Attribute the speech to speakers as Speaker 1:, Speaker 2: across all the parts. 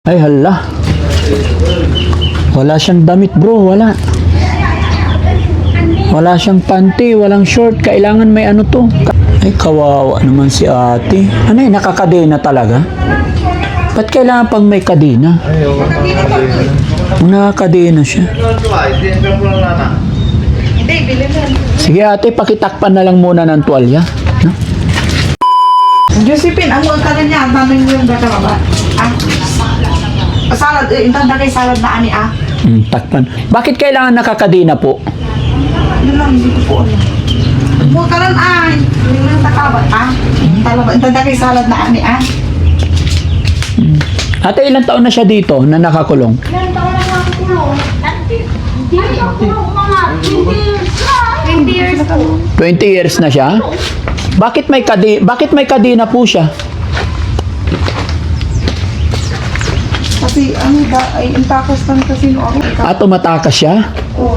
Speaker 1: Ay hala. Wala siyang damit bro, wala. Wala siyang panty, walang short. Kailangan may ano to. Ay kawawa naman si ate. Ano yun, nakakadena talaga? Ba't kailangan pang may kadena? Nakakadena siya. Sige ate, pakitakpan na lang muna ng tuwalya. No?
Speaker 2: Josephine, ang mga kanan niya, tanong yung baka baba. Salad, intanda kay salad na ani
Speaker 1: Takpan. Bakit kailangan nakakadena po?
Speaker 2: Yun lang, hindi ko po alam. Mga kanan yung lang takabat intanda kay salad na ani
Speaker 1: Ate, ilang taon na siya dito na nakakulong?
Speaker 3: Ilan taon na nakakulong? Hindi nakakulong mga 20 years po.
Speaker 1: 20 years na siya? Bakit may kadena po siya?
Speaker 2: Kasi ano ba, ay intakas lang kasi noon.
Speaker 1: Tumatakas siya?
Speaker 2: Oo.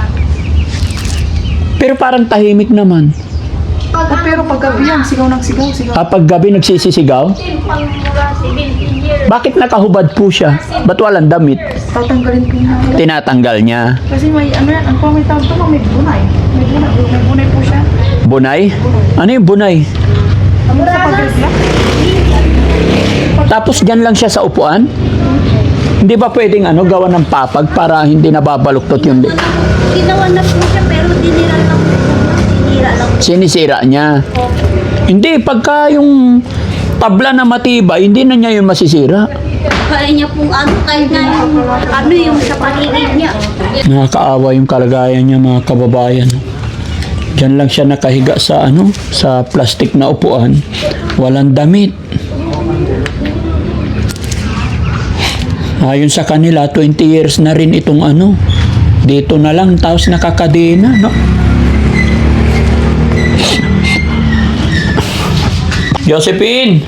Speaker 1: Pero parang tahimik naman.
Speaker 2: Pero paggabi yan, sigaw ng sigaw.
Speaker 1: Pag gabi nagsisisigaw?
Speaker 3: Pangmula 17 years.
Speaker 1: Bakit nakahubad po siya? Ba't walang damit?
Speaker 2: Tatanggalin ko na.
Speaker 1: Tinatanggal niya.
Speaker 2: Kasi may ano yan, ang pamitawag ito, may bunay. May bunay po siya.
Speaker 1: Bunay? Ano yung bunay?
Speaker 2: Ano sa paggabi?
Speaker 1: Tapos dyan lang siya sa upuan? Hindi ba pwedeng gawa ng papag para hindi nababaluktot yung
Speaker 3: Ginawa na po siya pero dinira lang po. Sinira lang po.
Speaker 1: sinisira niya? Hindi, pagka yung tabla na matibay, hindi na niya yun masisira.
Speaker 3: Kaya niya pong kahit na yung sa paligid niya.
Speaker 1: Nakakaawa yung kalagayan niya mga kababayan. Diyan lang siya nakahiga sa sa plastic na upuan. Walang damit. Ayon sa kanila, 20 years na rin itong dito na lang, tapos nakakadena, no? Josephine!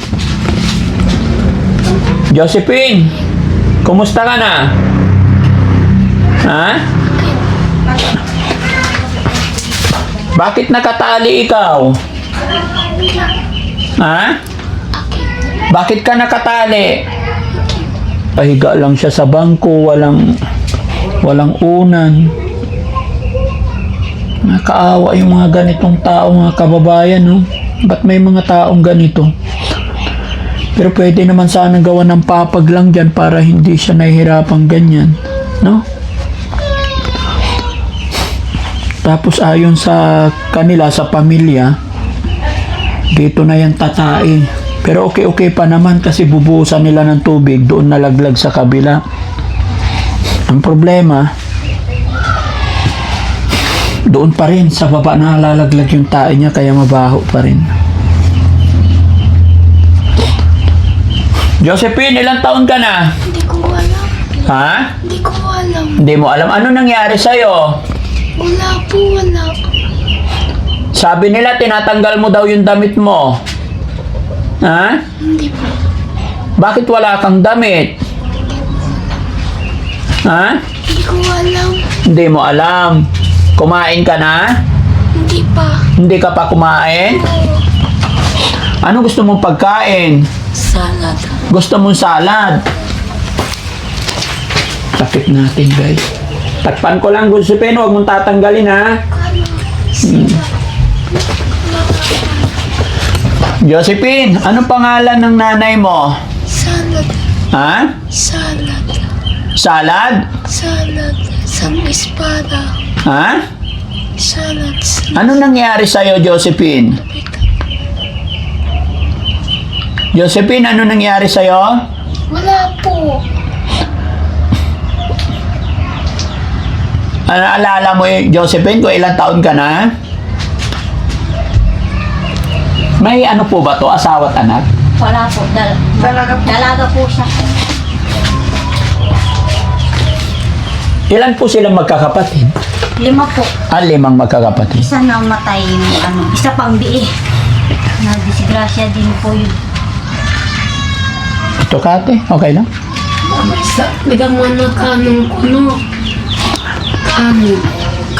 Speaker 1: Josephine! Kumusta ka na? Ha? Bakit nakatali ikaw? Ha? Bakit ka nakatali? Pahiga lang siya sa bangko, walang unan. Nakakaawa yung mga ganitong tao, mga kababayan, no? Ba't may mga taong ganito? Pero pwede naman sana gawa ng papag lang dyan para hindi siya nahihirapang ganyan, no? Tapos ayon sa kanila, sa pamilya, dito na yan tatai. Pero okay pa naman kasi bubuhusan nila ng tubig, doon nalaglag sa kabila. Ang problema, doon pa rin, sa baba nalalaglag yung tae niya, kaya mabaho pa rin. Josephine, ilang taon ka na?
Speaker 3: Hindi ko alam.
Speaker 1: Ha?
Speaker 3: Hindi ko alam.
Speaker 1: Hindi mo alam. Ano nangyari sa'yo?
Speaker 3: Wala po, wala.
Speaker 1: Sabi nila, tinatanggal mo daw yung damit mo. Ha?
Speaker 3: Hindi po.
Speaker 1: Bakit wala kang damit? Ha?
Speaker 3: Hindi ko alam.
Speaker 1: Hindi mo alam. Kumain ka na?
Speaker 3: Hindi pa.
Speaker 1: Hindi ka pa kumain? Ano gusto mong pagkain?
Speaker 3: Salad.
Speaker 1: Gusto mong salad? Sakit natin, guys. Takpan ko lang, Josephine. Huwag mong tatanggalin, ha? Josephine, anong pangalan ng nanay mo?
Speaker 3: Salad.
Speaker 1: Ha?
Speaker 3: Salad.
Speaker 1: Salad?
Speaker 3: Salad. Isang espada.
Speaker 1: Ha?
Speaker 3: Salad.
Speaker 1: Ano nangyari sa'yo, Josephine? Josephine, ano nangyari sa'yo?
Speaker 3: Wala po.
Speaker 1: Ano alala mo, Josephine, kung ilang taon ka na? May ano po ba to? Asawa at anak?
Speaker 3: Wala po. Dalaga po siya.
Speaker 1: Ilan po silang magkakapatid?
Speaker 3: 5 po.
Speaker 1: 5 magkakapatid.
Speaker 3: Isa na matay yung isa pang biih. Nadisgrasya din po yun.
Speaker 1: Ito kate, okay lang?
Speaker 3: Bigyan mo na kanong kuno. Kanin.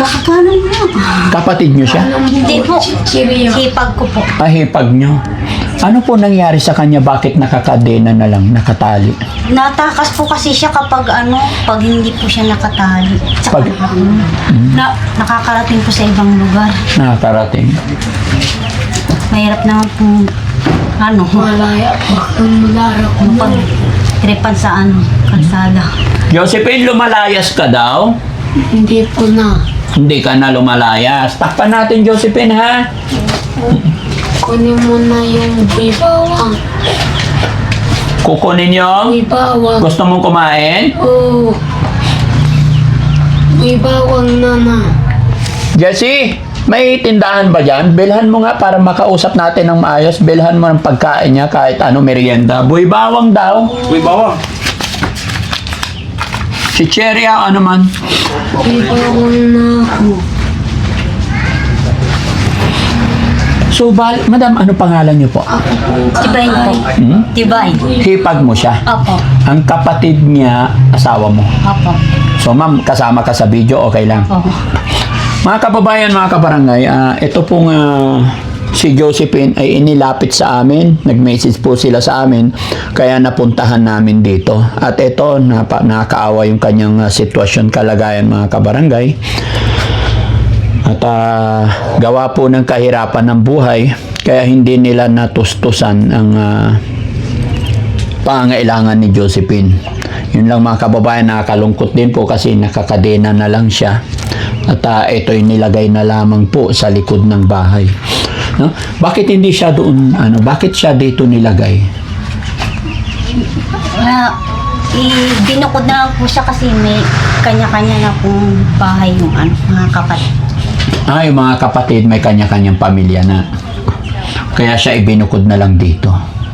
Speaker 3: Kakakanan mo.
Speaker 1: Kapatid nyo siya?
Speaker 3: Hindi po. Sipag ko po.
Speaker 1: Hipag nyo. Ano po nangyari sa kanya? Bakit nakakadena na lang, nakatali?
Speaker 3: Natakas po kasi siya kapag pag hindi po siya nakatali. Tsaka,
Speaker 1: Pag-
Speaker 3: nakakarating po sa ibang lugar.
Speaker 1: Nakakarating.
Speaker 3: Mahirap naman po, malaya pa kung malarap mo. Pag tripan sa kalsada.
Speaker 1: Josephine, lumalayas ka daw?
Speaker 4: Hindi po na.
Speaker 1: Hindi ka na lumalayas. Takpan natin, Josephine, ha?
Speaker 4: Kunin mo na yung bibawang.
Speaker 1: Kukunin yung...
Speaker 4: Bibawang.
Speaker 1: Gusto mong kumain?
Speaker 4: Oo. Bibawang na.
Speaker 1: Jessie, may tindahan ba dyan? Bilhan mo nga para makausap natin ng maayos. Bilhan mo ng pagkain niya kahit ano, merienda. Buy bawang daw.
Speaker 5: Uy, bawa.
Speaker 1: Si Cherry, ano man.
Speaker 4: Bibawang na ako.
Speaker 1: So, madam, ano pangalan niyo po?
Speaker 3: Tibay po.
Speaker 1: Hmm?
Speaker 3: Tibay.
Speaker 1: Hipag mo siya.
Speaker 3: Opo.
Speaker 1: Ang kapatid niya, asawa mo.
Speaker 3: Opo.
Speaker 1: So, ma'am, kasama ka sa video, okay lang.
Speaker 3: Opo.
Speaker 1: Mga kababayan, mga kabarangay, ito pong si Josephine ay inilapit sa amin. Nag-message po sila sa amin, kaya napuntahan namin dito. At ito, nakakaawa yung kanyang sitwasyon, kalagayan, mga kabarangay. At gawa po ng kahirapan ng buhay, kaya hindi nila natustusan ang pangangailangan ni Josephine. Yun lang mga kababayan, nakakalungkot din po kasi nakakadena na lang siya. At ito'y nilagay na lamang po sa likod ng bahay. No? Bakit hindi siya doon, bakit siya dito nilagay?
Speaker 3: Binukod na lang po siya kasi may kanya-kanya na pong bahay yung mga kapatid.
Speaker 1: Yung mga kapatid may kanya-kanyang pamilya na. Kaya siya ibinukod na lang dito.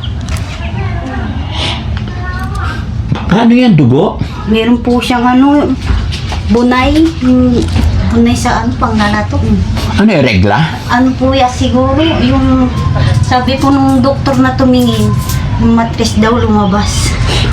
Speaker 1: Ano yan, dugo?
Speaker 3: Meron po siyang bunay. Yung bunay sa panglalatok.
Speaker 1: Ano yung regla?
Speaker 3: Ano po ya siguro, yung sabi po nung doktor na tumingin, yung matris daw lumabas.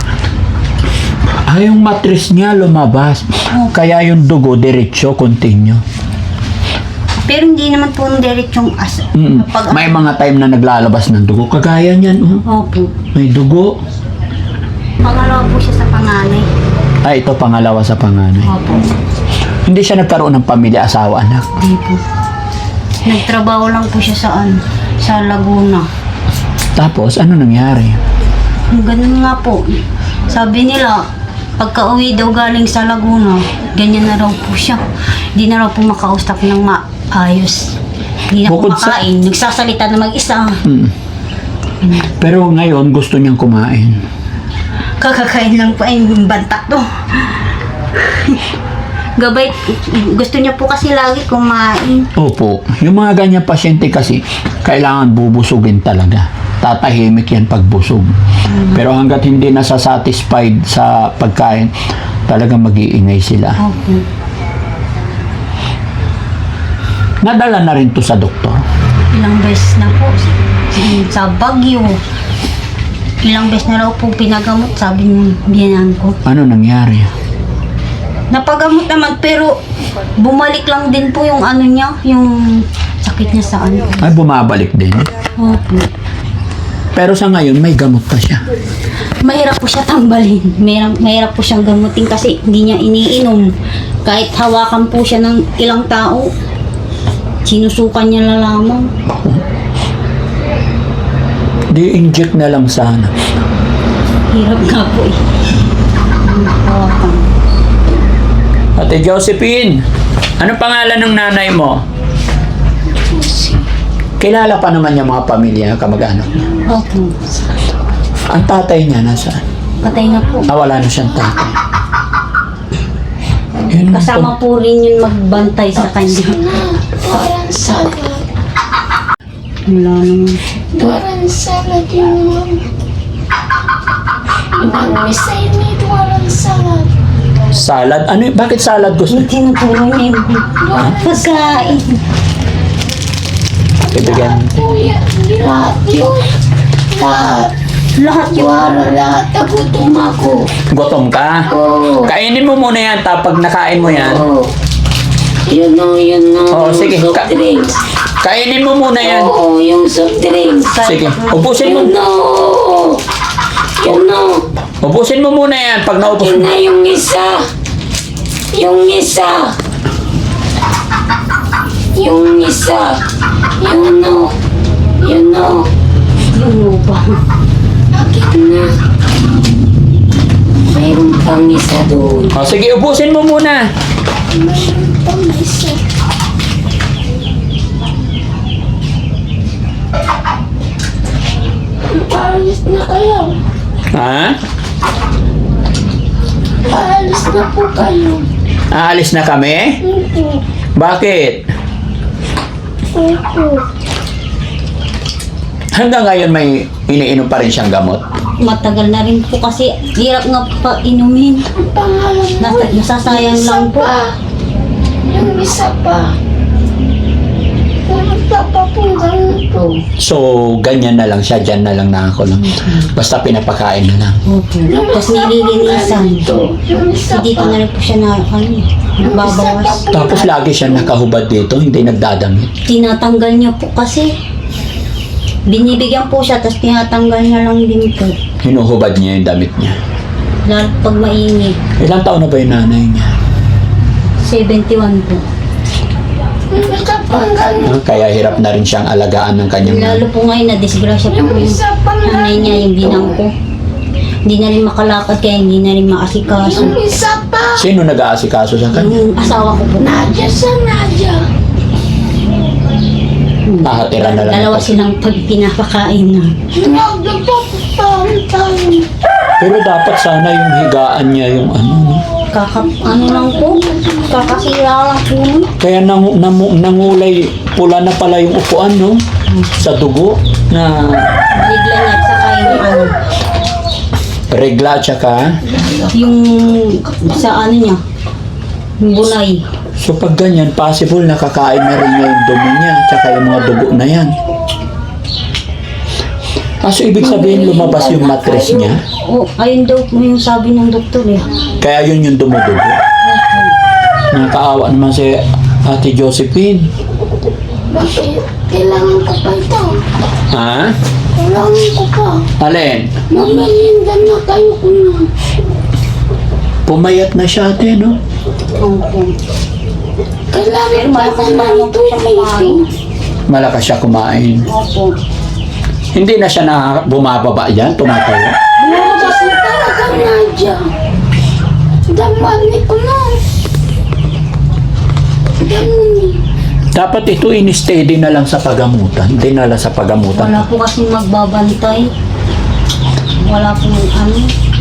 Speaker 1: Yung matris niya lumabas. Kaya yung dugo, diretso, continue.
Speaker 3: Pero hindi naman po ng diretsong
Speaker 1: May mga time na naglalabas ng dugo. Kagaya niyan,
Speaker 3: Opo.
Speaker 1: may dugo.
Speaker 3: Pangalawa po siya sa panganay.
Speaker 1: Ito pangalawa sa panganay.
Speaker 3: Opo.
Speaker 1: Hindi siya nagkaroon ng pamilya, asawa, anak.
Speaker 3: Hindi po. Nagtrabaho lang po siya sa Laguna.
Speaker 1: Tapos, ano nangyari?
Speaker 3: Ganun nga po. Sabi nila, pagka-uwi daw galing sa Laguna, ganyan na raw po siya. Hindi na raw po makausap ng maayos. Hindi na po
Speaker 1: Bukod sa-
Speaker 3: makain. Nagsasalita na mag-isa.
Speaker 1: Pero ngayon, gusto niyang kumain.
Speaker 3: Kakakain lang po ay bantak to. Gabay, gusto niya po kasi lagi kumain.
Speaker 1: Opo. Yung mga ganyan pasyente kasi, kailangan bubusugin talaga. Tatahimik yan pag busog. Pero hanggat hindi nasa-satisfied sa pagkain, talagang mag-iingay sila.
Speaker 3: Opo.
Speaker 1: Nadala na rin to sa doktor.
Speaker 3: Ilang beses na po. Sa Baguio. Ilang beses na raw po pinagamot, sabi ng biyanan ko.
Speaker 1: Ano nangyari?
Speaker 3: Napagamot naman, pero bumalik lang din po yung niya, yung sakit niya sa
Speaker 1: Ay, bumabalik din.
Speaker 3: Opo.
Speaker 1: Pero sa ngayon, may gamot pa siya.
Speaker 3: Mahirap po siya tambalin. Mahirap po siyang gamutin kasi hindi niya iniinom. Kahit hawakan po siya ng ilang tao, sinusukan niya na lamang.
Speaker 1: Di-inject na lang sana.
Speaker 3: Hirap nga po eh. Hawakan.
Speaker 1: Ate Josephine, ano pangalan ng nanay mo? Kilala pa naman yung mga pamilya, kamag-anak niya.
Speaker 3: Opo.
Speaker 1: Ang tatay niya nasaan?
Speaker 3: Patay na po.
Speaker 1: Wala na siyang tatay. Yun,
Speaker 3: Kasama po rin yung magbantay sa kanya.
Speaker 4: Walang salad.
Speaker 3: Wala naman.
Speaker 4: Walang salad yung Miss I need walang salad.
Speaker 1: salad. Ano yun? Bakit salad gusto?
Speaker 3: Yung tinuturo niya yung pagkain.
Speaker 1: Ibigyan.
Speaker 4: Kuya, lahat yun. Lahat.
Speaker 3: Lahat yung
Speaker 4: Lahat. Nagutom ako.
Speaker 1: Gutom ka?
Speaker 4: Oo.
Speaker 1: Kainin mo muna yan, tapos nakain mo yan,
Speaker 4: Oo. Yun o.
Speaker 1: Oo, sige.
Speaker 4: Soft drinks.
Speaker 1: Kainin mo muna yan.
Speaker 4: Oo, yung soft drinks.
Speaker 1: Sige, ubusin mo.
Speaker 4: Yun o. Yun o.
Speaker 1: Ubusin mo muna yan pag naubos
Speaker 4: Yun
Speaker 1: mo.
Speaker 4: na yung isa. Yung isa. Yung isa. Yun o. Yun o.
Speaker 3: Yung lubang.
Speaker 4: Bakit na? Mayroon pang isa doon.
Speaker 1: O, sige, ubusin mo muna.
Speaker 4: Mayroon pang isa. Paalis na kayo.
Speaker 1: Ha?
Speaker 4: Paalis na po kayo.
Speaker 1: Aalis na kami?
Speaker 4: Opo.
Speaker 1: Bakit?
Speaker 4: Opo.
Speaker 1: Hanggang ngayon may iniinom pa rin siyang gamot.
Speaker 3: Matagal na rin po kasi hirap nga pa inumin.
Speaker 4: Ang pangalan mo.
Speaker 3: Nasasayang lang po.
Speaker 4: Yung isa pa. Pumunta pa po ganito.
Speaker 1: So, ganyan na lang siya. Diyan na lang nakakulong. Basta pinapakain na lang.
Speaker 3: Opo. Tapos nililinisan.
Speaker 4: Yung isa
Speaker 3: Dito
Speaker 4: pa.
Speaker 3: na rin po siya na, babawas.
Speaker 1: Tapos lagi siya nakahubad dito. Hindi nagdadamit.
Speaker 3: Tinatanggal niya po kasi. Binibigyan po siya, tapos tinatanggal niya lang din po.
Speaker 1: Hinuhubad niya yung damit niya.
Speaker 3: Lalo pag mainit.
Speaker 1: Ilang taon na ba yung nanay niya?
Speaker 3: 71 po.
Speaker 4: Yung isa pa ganito.
Speaker 1: Kaya hirap na rin siyang alagaan ng kanyang
Speaker 3: Lalo
Speaker 1: nanay.
Speaker 3: po ngayon na disgrasya po
Speaker 4: Yung
Speaker 3: yung
Speaker 4: isa pa
Speaker 3: nanay niya, yung binang ko. Hindi na rin makalakad kaya hindi na rin maasikaso.
Speaker 4: Yung isa pa.
Speaker 1: Sino nag-aasikaso sa kanya?
Speaker 3: Yung asawa ko po.
Speaker 4: Nadia sa Nadia.
Speaker 1: Nakatira na lang.
Speaker 3: Dalawa
Speaker 1: ako.
Speaker 3: silang pag pinapakain na.
Speaker 4: Nagpapapahan tayo.
Speaker 1: Pero dapat sana yung higaan niya yung ano. No?
Speaker 3: Ano lang po, kakasira lang po.
Speaker 1: Kaya nangulay pula na pala yung upuan, no? Sa dugo na
Speaker 3: Bigla niya, saka yung ano,
Speaker 1: regla tsaka.
Speaker 3: yung sa ano niya, yung bunay.
Speaker 1: So pag ganyan, possible nakakain na rin niya yung dumi niya tsaka yung mga dugo na yan. So ibig sabihin lumabas yung mattress niya.
Speaker 3: O, ayun daw po yung sabi ng doktor eh.
Speaker 1: Kaya yun yung dumudugo. Nakakaawa naman si Ate Josephine.
Speaker 4: Bakit? Kailangan ko pa ito.
Speaker 1: Ha?
Speaker 4: Kailangan ko pa.
Speaker 1: Alin?
Speaker 4: Mamalindan na kayo ko na.
Speaker 1: Pumayat na siya ate, no?
Speaker 3: Opo.
Speaker 4: Kailangan pa
Speaker 3: malakas
Speaker 4: na
Speaker 3: naman
Speaker 4: ito
Speaker 3: po siya kumain.
Speaker 1: Malakas siya kumain.
Speaker 3: Opo.
Speaker 1: Hindi na siya bumababa yan, tumatayo.
Speaker 4: Lumabas na talaga Nadia. Damani ko na. Damani.
Speaker 1: Dapat ito in-steady na lang sa pagamutan. Dinala sa pagamutan.
Speaker 3: Wala po kasing magbabantay. Wala po ano.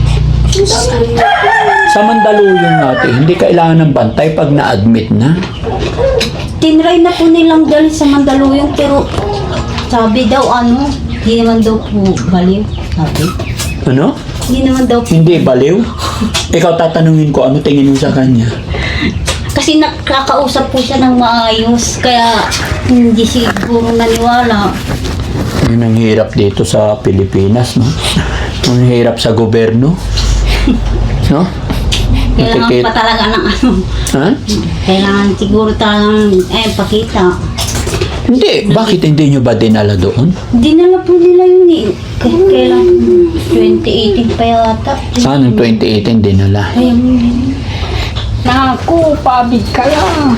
Speaker 1: Sa Mandaluyong natin, hindi kailangan ng bantay pag na-admit na.
Speaker 3: Tinry na po nilang dali sa Mandaluyong pero sabi daw ano, hindi naman daw po baliw. Sabi.
Speaker 1: Ano?
Speaker 3: Hindi naman daw po.
Speaker 1: Hindi baliw? Ikaw tatanungin ko, ano tingin mo sa kanya?
Speaker 3: Kasi nakakausap po siya ng maayos. Kaya hindi siguro naniwala.
Speaker 1: Yun ang hirap dito sa Pilipinas, no? Ang hirap sa gobyerno. No?
Speaker 3: Kailangan
Speaker 1: Matikit.
Speaker 3: pa talaga ng ano.
Speaker 1: Ha?
Speaker 3: Kailangan siguro talagang pakita.
Speaker 1: Hindi. Bakit hindi nyo ba dinala doon?
Speaker 3: Dinala po nila yun eh. Kailan 2018 pa yata.
Speaker 1: Saan 2018 dinala?
Speaker 3: Ayun.
Speaker 2: Naku, pabig ka lang.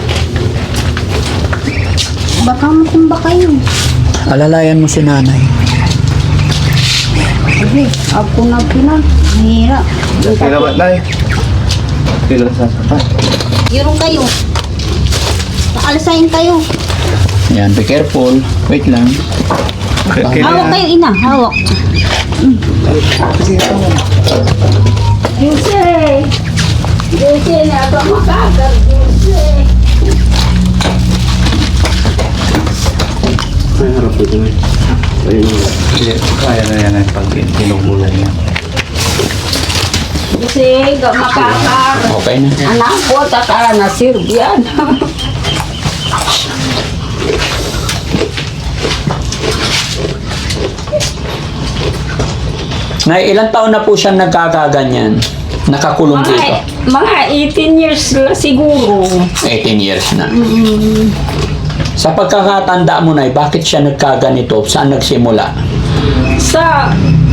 Speaker 3: Baka matumba kayo.
Speaker 1: Alalayan mo si nanay.
Speaker 3: Sabi, ako na pina. Mahirap.
Speaker 5: Salamat na eh. Kailan sasapat?
Speaker 3: Yurong kayo. Paalasayin kayo.
Speaker 1: Yan, be careful. Wait lang.
Speaker 3: Hawak kayo, ina. Hawak.
Speaker 4: Jose! Jose na ba makakag, Jose?
Speaker 5: Ay, harap ito eh. Ayun. Kaya na yan eh pag tinumulan niya.
Speaker 2: Kasi, makakar.
Speaker 1: Okay na.
Speaker 2: Anak ko, takara na sirbiyan.
Speaker 1: Nay, ilang taon na po siyang nagkakaganyan? Nakakulong dito.
Speaker 6: Mga 18 years na siguro.
Speaker 1: 18 years na. Sa pagkakatanda mo na, bakit siya nagkaganito? Saan nagsimula?
Speaker 6: Sa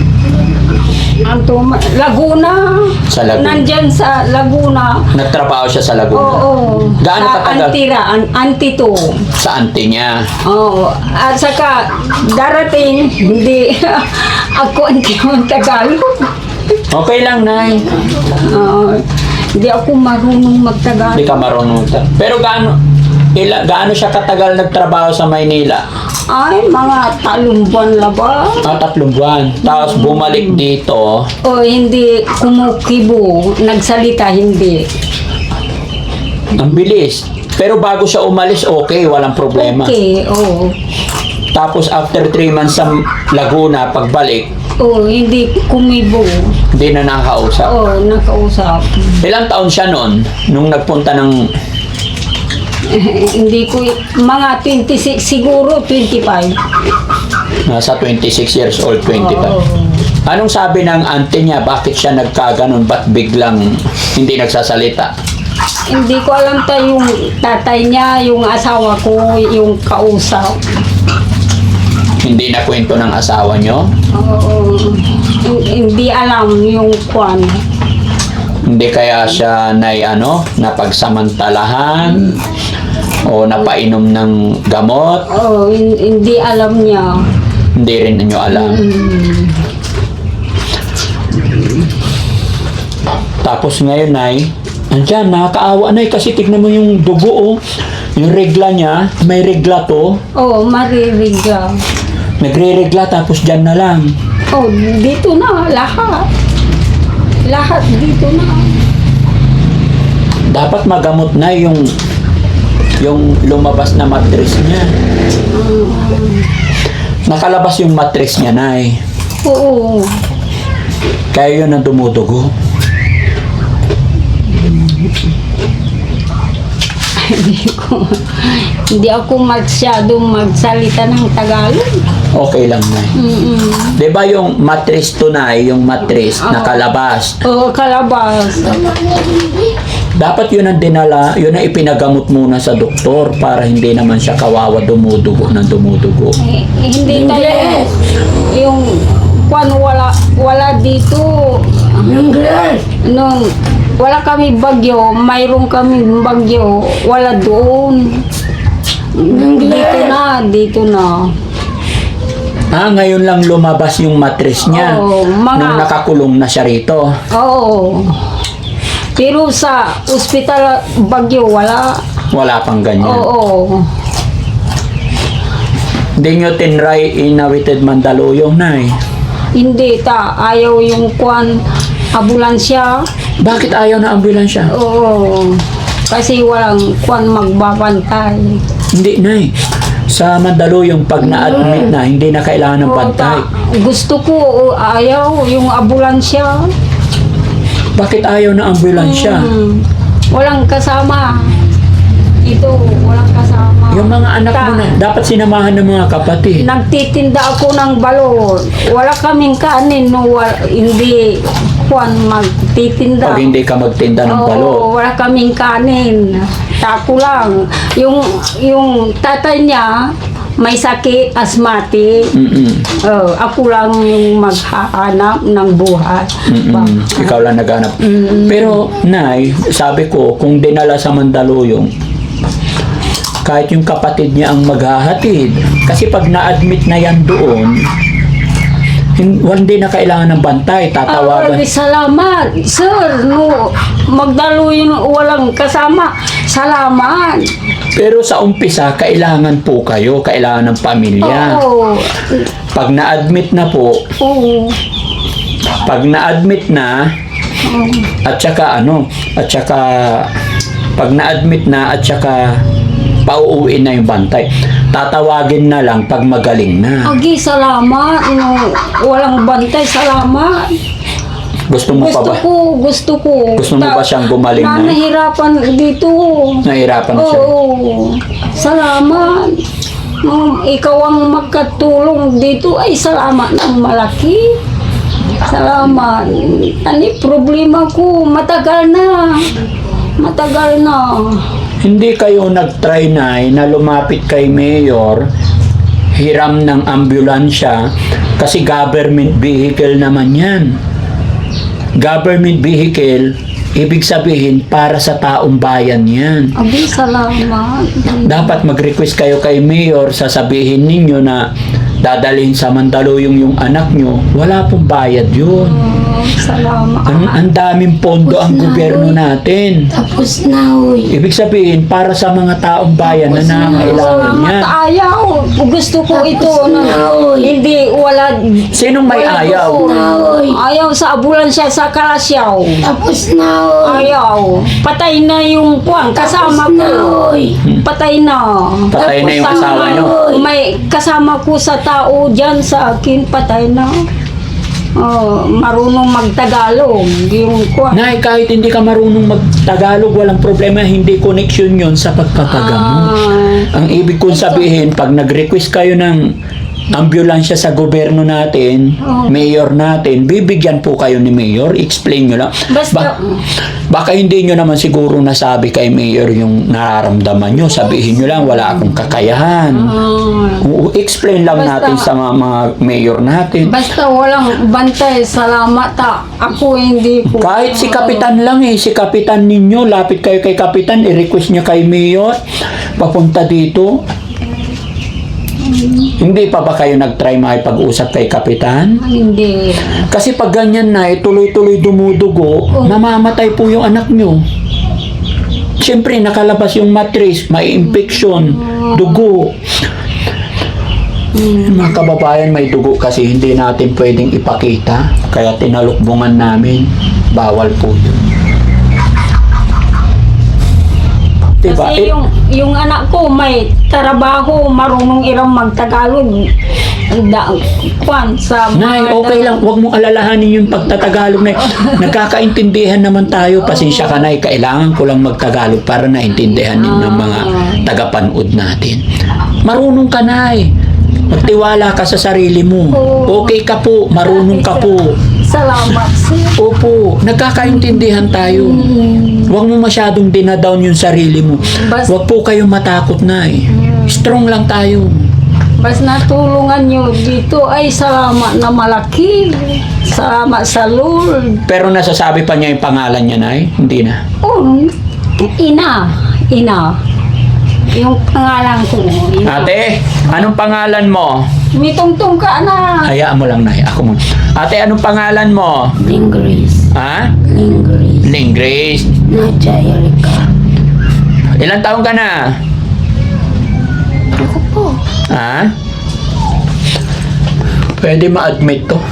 Speaker 6: Laguna.
Speaker 1: Sa Laguna.
Speaker 6: Nandyan sa Laguna.
Speaker 1: Nagtrabaho siya sa Laguna.
Speaker 6: Oo.
Speaker 1: Gaano
Speaker 6: sa
Speaker 1: katagal?
Speaker 6: Antira, Antito.
Speaker 1: Sa auntie niya.
Speaker 6: Oo. At saka darating, hindi ako ang Tagalog.
Speaker 1: Okay lang, Nay.
Speaker 6: Hindi ako marunong magtagalog.
Speaker 1: Hindi ka marunong. Pero gaano siya katagal nagtrabaho sa Maynila?
Speaker 6: Ay, mga 3 buwan na ba?
Speaker 1: 3 buwan. Tapos bumalik dito.
Speaker 6: O hindi kumukibo, nagsalita hindi.
Speaker 1: Ang bilis. Pero bago siya umalis, okay, walang problema.
Speaker 6: Okay, oo.
Speaker 1: Tapos after 3 months sa Laguna, pagbalik,
Speaker 6: Oo, hindi kumibo.
Speaker 1: hindi na nakakausap.
Speaker 6: Oo, nakausap.
Speaker 1: Ilang taon siya noon nung nagpunta ng
Speaker 6: Hindi ko, mga 26, siguro 25.
Speaker 1: nasa 26 years old, 25.
Speaker 6: Oo.
Speaker 1: Anong sabi ng auntie niya? Bakit siya nagkaganon? Ba't biglang hindi nagsasalita?
Speaker 6: Hindi ko alam yung tatay niya, yung asawa ko, yung kausap.
Speaker 1: Hindi na kwento ng asawa niyo?
Speaker 6: Oo. Hindi alam yung kwan.
Speaker 1: Hindi kaya siya napagsamantalahan o napainom ng gamot?
Speaker 6: Oo, hindi alam niya.
Speaker 1: Hindi rin ninyo alam. Tapos ngayon, Nay, andyan, nakakaawa, Nay, kasi tignan mo yung dugo, oh. Yung regla niya, may regla to.
Speaker 6: Oo, maririga.
Speaker 1: Nagre-regla, tapos dyan na lang.
Speaker 6: Oh, dito na, lahat. Lahat dito na.
Speaker 1: Dapat magamot na yung lumabas na mattress niya. Nakalabas yung mattress niya, Nay.
Speaker 6: Oo.
Speaker 1: Kaya yun ang dumudugo.
Speaker 6: Hindi ako masyadong magsalita ng Tagalog.
Speaker 1: Okay lang, Nay. Diba yung mattress to, Nay, yung mattress nakalabas.
Speaker 6: Oo, kalabas.
Speaker 1: Dapat yun ang dinala, yun ang ipinagamot muna sa doktor para hindi naman siya kawawa dumudugo ng dumudugo.
Speaker 6: Hindi tayo yung kwan wala dito. Nung wala kami bagyo, mayroon kami bagyo, wala doon. Dito na.
Speaker 1: Ngayon lang lumabas yung mattress niya
Speaker 6: Oo,
Speaker 1: nung nakakulong na siya rito.
Speaker 6: Oo. Pero sa ospital bagyo, wala.
Speaker 1: Wala pang ganyan.
Speaker 6: Oo.
Speaker 1: Hindi nyo tinry inawited Mandaluyong, Nay.
Speaker 6: Hindi ayaw yung kwan ambulansya.
Speaker 1: Bakit ayaw na ambulansya?
Speaker 6: Oo. Kasi walang kwan magbabantay.
Speaker 1: Hindi, Nay. Sa Mandaluyong, pag na-admit na, hindi na kailangan ng bantay.
Speaker 6: Gusto ko, ayaw yung ambulansya.
Speaker 1: Bakit ayaw na ambulansya?
Speaker 6: Walang kasama. Ito, walang kasama.
Speaker 1: Yung mga anak mo na, dapat sinamahan ng mga kapatid.
Speaker 6: Nagtitinda ako ng balon. Wala kaming kanin, no, hindi kwan magtitinda.
Speaker 1: Pag hindi ka magtinda ng balot.
Speaker 6: Oo, wala kaming kanin. Tako lang. Yung tatay niya, may sakit, asthmatic. Ako lang yung maghahanap ng buhay.
Speaker 1: Ikaw lang naghanap. Pero, Nay, sabi ko, kung dinala sa Mandaluyong, kahit yung kapatid niya ang maghahatid. Kasi pag na-admit na yan doon, hindi na kailangan ng bantay, tatawagan.
Speaker 6: Salamat, sir. No, Magdaluyong walang kasama. Salamat.
Speaker 1: Pero sa umpisa, kailangan po kayo, kailangan ng pamilya.
Speaker 6: Oo.
Speaker 1: Pag na-admit na po,
Speaker 6: Oo.
Speaker 1: pag na-admit na, at saka pag na-admit na, at saka pauuwiin na yung bantay, tatawagin na lang pag magaling na.
Speaker 6: Agi, salamat. No, walang bantay, salamat.
Speaker 1: Gusto mo pa ba?
Speaker 6: Gusto ko.
Speaker 1: Gusto mo ba siyang gumaling na?
Speaker 6: Nahihirapan dito.
Speaker 1: Nahirapan siya.
Speaker 6: Oo. Salamat. Ikaw ang magkatulong dito. Ay, salamat ng malaki. Salamat. Ani problema ko, matagal na. Matagal na.
Speaker 1: Hindi kayo nag-try na lumapit kay Mayor, hiram ng ambulansya, kasi government vehicle naman yan. Government vehicle, ibig sabihin para sa taong bayan yan.
Speaker 6: Abi, salamat.
Speaker 1: Dapat mag-request kayo kay Mayor, sasabihin ninyo na dadalhin sa Mandaluyong yung anak nyo, wala pong bayad yun.
Speaker 6: Oh, salamat.
Speaker 1: Ang daming pondo ang gobyerno natin.
Speaker 4: Tapos na, uy.
Speaker 1: Ibig sabihin, para sa mga taong bayan na nangangailangan
Speaker 6: Salamat,
Speaker 1: yan.
Speaker 6: ayaw. Gusto ko ito na hindi wala.
Speaker 1: Sinong may
Speaker 6: wala
Speaker 1: ayaw?
Speaker 6: gusto.
Speaker 4: Na, uy.
Speaker 6: Ayaw sa ambulansya sa Kalasyaw.
Speaker 4: Tapos na, uy.
Speaker 6: Ayaw. Patay na yung kuwan. Kasama
Speaker 4: Tapos na,
Speaker 6: ko.
Speaker 4: uy.
Speaker 6: Patay na.
Speaker 1: Patay na yung
Speaker 6: Tapos
Speaker 1: asawa nyo?
Speaker 6: May kasama ko sa tao dyan sa akin. Patay na. Oh, marunong magtagalog. Yung kuwan.
Speaker 1: Nay, kahit hindi ka marunong mag-Tagalog, walang problema, hindi connection yun sa pagpapagamot. Ang ibig kong sabihin, pag nag-request kayo ng ambulansya sa gobyerno natin, mayor natin, bibigyan po kayo ni mayor, explain nyo lang.
Speaker 6: Basta-
Speaker 1: Baka hindi nyo naman siguro nasabi kay mayor yung nararamdaman nyo, sabihin nyo lang, wala akong kakayahan. Explain lang
Speaker 6: Basta-
Speaker 1: natin sa mga mayor natin.
Speaker 6: Basta walang bantay, salamat ta. Ako hindi ko.
Speaker 1: Kahit si Kapitan lang si Kapitan ninyo, lapit kayo kay Kapitan, i-request niya kay Mayor, papunta dito. Hindi pa ba kayo nag-try makipag-usap kay Kapitan?
Speaker 6: Hindi.
Speaker 1: Kasi pag ganyan na, tuloy-tuloy dumudugo, mamamatay po yung anak nyo. Siyempre, nakalabas yung matris, may infection, dugo. Mga kababayan, may dugo kasi hindi natin pwedeng ipakita. Kaya tinalukbungan namin, bawal po yun. Diba?
Speaker 6: Kasi yung anak ko may trabaho, marunong irang magtagalog. Kwan sa
Speaker 1: Nay, okay lang. Huwag mong alalahanin yung pagtatagalog na. Nagkakaintindihan naman tayo. Pasensya ka, Nay. Kailangan ko lang magtagalog para naintindihan din ng mga tagapanood natin. Marunong ka, Nay. Magtiwala ka sa sarili mo. Okay ka po. Marunong ka po.
Speaker 6: Salamat sir.
Speaker 1: Opo. Nagkakaintindihan tayo. Huwag mo masyadong dinadown yung sarili mo. Huwag po kayong matakot, Nay. Strong lang tayo.
Speaker 6: Bas natulungan nyo dito ay salamat na malaki. Salamat sa Lord.
Speaker 1: Pero nasasabi pa niya yung pangalan niya, Nay? Hindi na.
Speaker 6: Oh, ina. Yung pangalan ko. Ina.
Speaker 1: Ate, anong pangalan mo?
Speaker 6: May tungtong ka na.
Speaker 1: Hayaan mo lang, Nay. Ako muna. Ate, anong pangalan mo?
Speaker 4: Lingris.
Speaker 1: Ha?
Speaker 4: Lingris.
Speaker 1: Linggrace.
Speaker 4: Nadja Erika.
Speaker 1: Ilang taon ka na?
Speaker 4: Ako po.
Speaker 1: Ha? Pwede ma-admit to.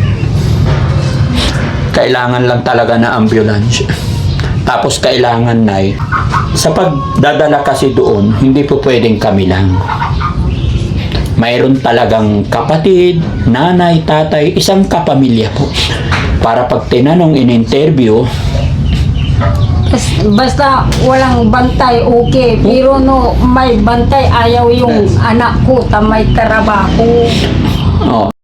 Speaker 1: Kailangan lang talaga na ambulance. Tapos kailangan, Nay, sa pagdadala kasi doon, hindi po pwedeng kami lang. Mayroon talagang kapatid, nanay, tatay, isang kapamilya po. Para pag tinanong in-interview,
Speaker 6: Basta walang bantay, okay. Pero no, may bantay, ayaw yung anak ko, ta may trabaho.
Speaker 1: oh,